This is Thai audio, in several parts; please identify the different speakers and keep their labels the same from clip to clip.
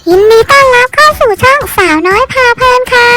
Speaker 1: ยินดีต้อนรับเข้าสู่ช่องสาวน้อยพาเพลินค่ะ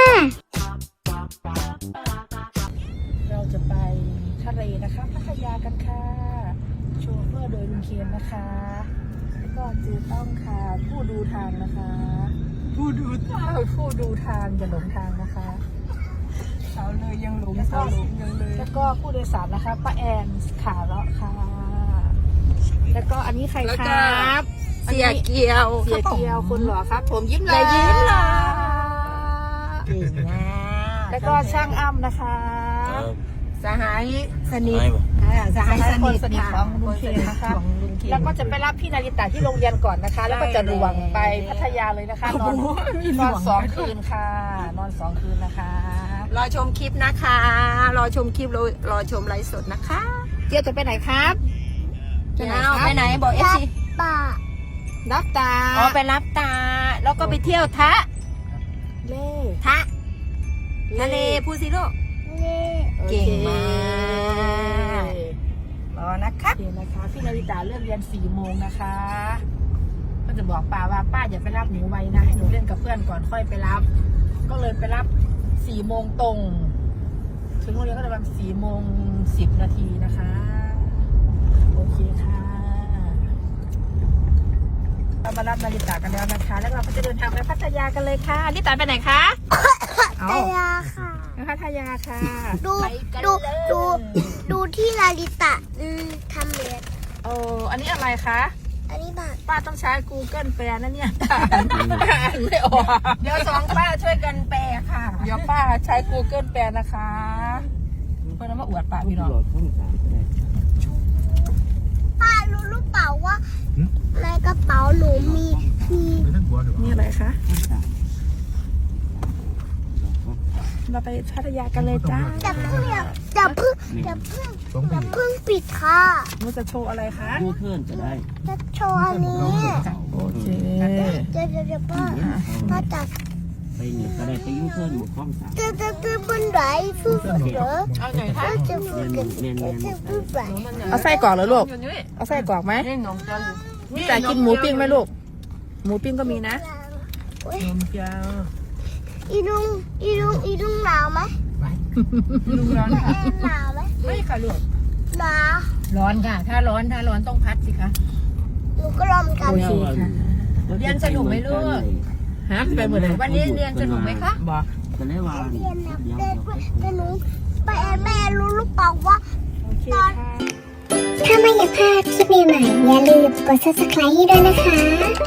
Speaker 2: เราจะไปทะเลนะคะพัทยากันค่ะโชเฟอร์โดยลุงเคนนะคะแล้วก็จือต้องค่ะผู้ดูทางนะคะผู้ดูทางอย่าหลงทางนะคะเสาเลยยังหลงเสายังเลยแล้วก็ผู้โดยสารนะคะป้าแอนขาเลาะค่ะแล้วก็อันนี้ใครครับ
Speaker 3: เสียเกียว
Speaker 2: เสียเกียวคนหล่อครับผมยิ้ม
Speaker 3: เลยยิ้มเลยเก่งนะ
Speaker 2: แล้วก็ช่างอ้ำนะคะ
Speaker 3: สหายสนิทสหายสนิท
Speaker 2: ของลุงเคนนะคะแล้วก็จะไปรับพี่นาริตะที่โรงเรียนก่อนนะคะ แล้วก็จะรวงไปพัทยาเลยนะคะนอน2 คืนค่ะนอน2 คืนนะคะ
Speaker 3: รอชมคลิปนะคะ รอชมคลิปรอชมไลฟ์สดนะคะ
Speaker 2: เจี๊ยบจะไปไหนครับ
Speaker 3: ไปไหนบอกเอฟซี
Speaker 1: ป่า
Speaker 2: รับตา
Speaker 3: อ๋อไปรับตา แล้วก็ไปเที่ยวทะ
Speaker 2: เล่
Speaker 3: ทะทะเลพูดสิลูก
Speaker 1: เล่
Speaker 3: เก่งมาก รอนะครับ
Speaker 2: โอเคนะคะพี่นาริตะเลิกเรียน4 โมงนะคะก็จะบอกป้าว่าป้าอย่าไปรับหนูไว้นะให้หนูเล่นกับเพื่อนก่อนค่อยไปรับ ก็เลยไปรับ4 โมงตรง ถึงโรงเรียนก็ประมาณ4:10 นะคะโอเคค่ะเรามารับนาริตะกันแล้วนะคะ แล้วเราก็จะเดินทางไปพัทยากันเลยค่ะนาริตะไปไหนคะ
Speaker 1: พัทยาค่ะ
Speaker 2: ไปพัทยาค่ะ
Speaker 1: ดูที่ลาลิตะทำเล็บ
Speaker 2: อันนี้อะไรคะ
Speaker 1: อันนี้บัตร
Speaker 2: ป้าต้องใช้ Google แปลนะเนี่ยอ่านไม่ออก
Speaker 3: เดี๋ยว2ป้าช่วยกันแปลค่ะ
Speaker 2: เดี๋ยวป้าใช้ Google แปลนะคะเพื่อนมาอวดป้าพี่น้อง
Speaker 1: ป้ารู้หรือเปล่าว่าในกระเป๋าหนูมี
Speaker 2: นี่อะไรคะ เราไปพัทยากันเลยจ้า
Speaker 1: จะเพิ่งปิดค่ะ
Speaker 2: มันจะโชว์อะไรคะ
Speaker 4: ยูเทิร์นจะได้
Speaker 1: จะโชว์อันนี้
Speaker 2: โอเค
Speaker 1: เดี๋ยวป้าจะ
Speaker 4: ไปเนี่ยก็ได้ไปยูเทิร์นหมู่ข้องสาม
Speaker 1: จะบนไหนฟูเหรอ
Speaker 3: เอาหน่อยค่ะ
Speaker 1: จะฟูกันจะฟูไหน
Speaker 2: เอาไส้กรอกเหรอลูก เอาไส้กรอกไหม
Speaker 3: นี่หนมจะอยู่
Speaker 2: นี่แต่กินหมูปิ้งไหมลูก หมูปิ้งก็มีนะ นมเจ้า
Speaker 1: อีลุงหนาวไหม
Speaker 3: ลุงร้อนค่ะ
Speaker 1: หนาวไหม
Speaker 3: ไม่ค่ะลูก
Speaker 1: หนาว
Speaker 3: ร้อนค่ะ ถ้าร้อนต้องพัดสิคะ
Speaker 1: หนูก็รอมกัน
Speaker 2: โอเคค่ะ
Speaker 3: เรียนสนุกไหมลูก
Speaker 2: ฮะไปหมดเลย
Speaker 3: วันนี้เรียนสนุกไหมคะ
Speaker 2: บอก
Speaker 4: จะได้วาง
Speaker 1: เรียนนะแต่หนูแม่รู้หรือเปล่าว่า
Speaker 2: โอเคค่ะ
Speaker 1: ถ้าไม่อยากพลาดคลิปใหม่ๆอย่าลืมกด subscribe ให้ด้วยนะคะ